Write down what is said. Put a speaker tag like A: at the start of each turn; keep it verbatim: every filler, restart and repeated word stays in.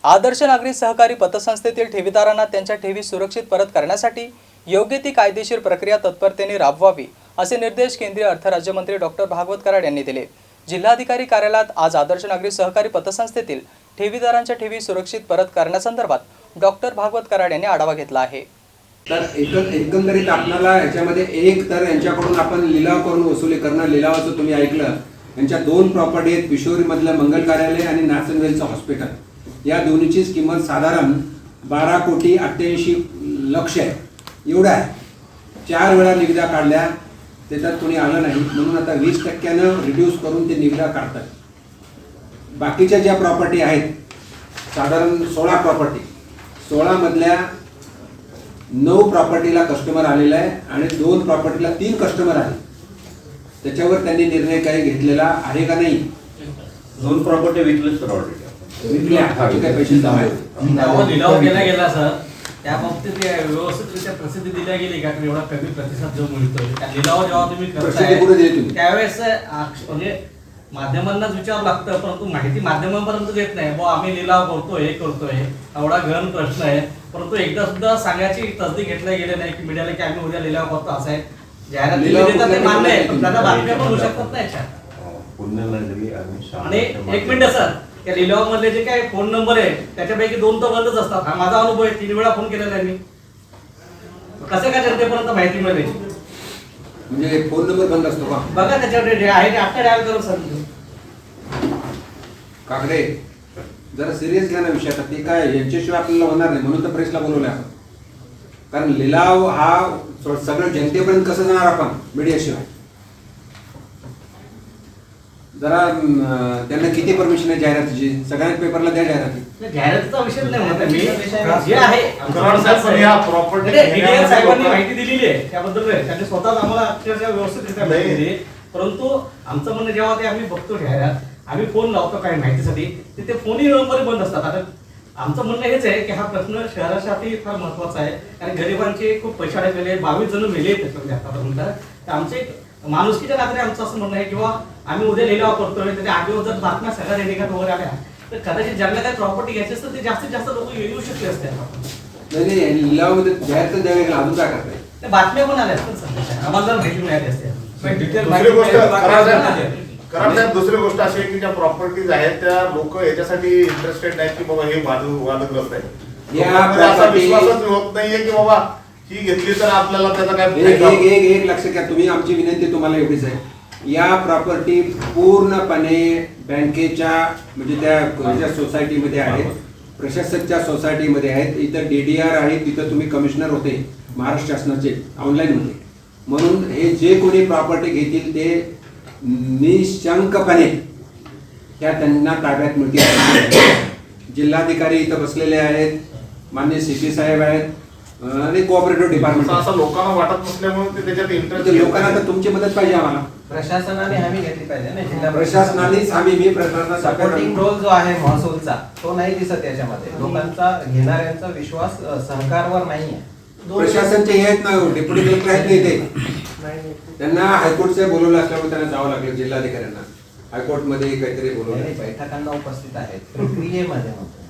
A: आदर्श नागरी सहकारी पतसंस्थेतील ठेवीदारांना त्यांच्या ठेवी सुरक्षित परत करण्यासाठी योग्य ती कायदेशीर प्रक्रिया तत्परतेने राबवावी असे निर्देश केंद्रीय अर्थ राज्यमंत्री डॉक्टर भागवत कराड यांनी दिले। जिल्हाधिकारी कार्यालयात आज आदर्श नागरी सहकारी पतसंस्थेतील ठेवीदारांच्या ठेवी सुरक्षित परत करण्यासंदर्भात डॉक्टर भागवत कराड यांनी आढावा घेतला आहे।
B: तर एकंदरीत आपल्याला याच्यामध्ये एक तर यांच्याकडून आपण लिलाव करून वसुली करणं, लिलावाचं तुम्ही ऐकलं, यांच्या दोन प्रॉपर्टी आहेत, पिशोरीमधलं मंगल कार्यालय आणि नाचनवेलचं हॉस्पिटल, या दोन्हीचीच किंमत साधारण बारा कोटी अठ्ठ्याऐंशी लक्ष आहे, एवढं आहे। चार वेळा निविदा काढल्या, त्याच्यात कोणी आलं नाही, म्हणून आता वीस टक्क्यानं रिड्यूस करून ते निविदा काढतात। बाकीच्या ज्या प्रॉपर्टी आहेत साधारण सोळा प्रॉपर्टी, सोळा मधल्या नऊ प्रॉपर्टीला कस्टमर आलेला आहे आणि दोन प्रॉपर्टीला तीन कस्टमर आले, त्याच्यावर त्यांनी निर्णय काही घेतलेला आहे का नाही?
C: दोन प्रॉपर्टी विकले सर, ऑलरेडी
B: विकल्या, काय पैसे जमा
D: लिलाव केला गेला सर, त्या बाबतीत व्यवस्थितरित्या प्रसिद्धी दिल्या गेली का? एवढा कमी प्रतिसाद जो मिळतो त्या लिलाव जेव्हा तुम्ही करताय त्यावेळेस म्हणजे माध्यमांनाच विचारावं लागतं, परंतु माहिती माध्यमांपर्यंत देत नाही। बुवा आम्ही लिलाव करतोय, हे करतोय, एवढा गहन प्रश्न आहे, परंतु एकदा सुद्धा सांगायची तसदी घेतल्या गेली नाही की मीडियाला की आम्ही उद्या लिलाव करतो असं आहे। जाहिरात देतात ते मान्य आहे, पण त्याला बातम्या पण होऊ शकतात ना याच्यात। आणि एक मिनिट सर, त्या लिलाव मधले जे काही फोन नंबर आहे त्याच्यापैकी दोन तर बंदच असतात। हा माझा अनुभव आहे, तीन वेळा फोन केलेला आहे मी। कसं काय जनतेपर्यंत माहिती मिळेल?
B: म्हणजे फोन नंबर बंद असतो का?
D: बघा त्याच्यावर जे आहे ते आता डायल करून सर।
B: काकडे जरा सिरियस घ्या ना विषय, आता ते काय यांच्याशिवाय आपल्याला होणार नाही, म्हणून तर प्रेसला बोलवलं आपण। कारण लिलाव हा सगळं जनतेपर्यंत कसं जाणार आपण मीडियाशिवाय? जरा त्यांना किती परमिशन आहे जाहिरातीची? सगळ्यांना पेपरला द्या जाहिराती।
D: जाहिरातीचा विषय नाही म्हणत मी, जे आहे साहेबांनी माहिती दिलेली आहे त्याबद्दल त्यांनी स्वतःच आम्हाला अक्षरशः व्यवस्थितरित्या माहिती दिली। परंतु आमचं म्हणणं जेव्हा ते आम्ही बघतो जाहिरात, आम्ही फोन लावतो काही माहितीसाठी, तिथे फोनही नंबर बंद असतात। आता आमचं म्हणणं हेच आहे की हा प्रश्न शहरासाठी फार महत्वाचा आहे, कारण गरिबांचे खूप पैसे अडकलेले, बावीस जण मेले आहेत त्याच्यामध्ये आतापर्यंत। तर आमचे माणुसकीच्या नात्याने आमचं असं म्हणणं आहे किंवा आम्ही उद्या लिलाव करतोय, त्याच्या आठ दिवस जर बातम्या सगळ्या रेडिकात वगैरे आल्या तर कदाचित ज्यांना काही प्रॉपर्टी घ्यायची असतं ते जास्तीत जास्त लोक येऊ शकले असते।
B: नाही, लिलावामध्ये जाहिरात द्यावी लागेल, अजून काय करताय?
D: त्या बातम्या पण आल्या असतात सर, आम्हाला जर माहिती मिळाली असते।
E: दुसरी गोष्ट अशी आहे की ज्या प्रॉपर्टीज आहेत त्या लोक याच्यासाठी इंटरेस्टेड नाहीत की बाबा हे वादग्रस्त आहे, असा विश्वासच होत नाहीये की बाबा ही घेतली तर आपल्याला त्याचा काय।
B: एक एक एक लक्ष घ्या तुम्ही, आमची विनंती तुम्हाला एवढीच आहे, या प्रॉपर्टी पूर्णपणे बँकेच्या म्हणजे त्या सोसायटीमध्ये आहेत, प्रशासकच्या सोसायटीमध्ये आहेत, इथं डी डी आर आहे, तिथं तुम्ही कमिशनर होते महाराष्ट्र शासनाचे ऑनलाईन होते, म्हणून हे जे कोणी प्रॉपर्टी घेतील ते निशंकपणे ह्या त्यांना ताब्यात मिळतील। जिल्हाधिकारी इथं बसलेले आहेत, माननीय सी पी साहेब आहेत आणि कोऑपरेटिव्ह डिपार्टमेंट।
E: असं लोकांना वाटत नसल्यामुळे ते त्याच्यात इंटरेस्ट,
B: लोकांना तर तुमची मदत पाहिजे, आम्हाला
F: प्रशासनाने हमी घेतली पाहिजे ना, जिल्हा
B: प्रशासनानेच हमी मी प्रशासनाचा
F: सपोर्टिंग रोल जो आहे महसूलचा तो नाही दिसत याच्यामध्ये। लोकांचा घेणाऱ्यांचा विश्वास सरकारवर नाहीये।
B: प्रशासनचे हे आहेत ना, डेप्युटी कलेक्टर आहेत नाही ते, त्यांना हायकोर्टचे बोलवलं असल्यामुळे त्यांना जावं लागलं, जिल्हाधिकाऱ्यांना हायकोर्टमध्ये काहीतरी बोलवलं,
F: बैठकांना उपस्थित आहेत, प्रक्रियेमध्ये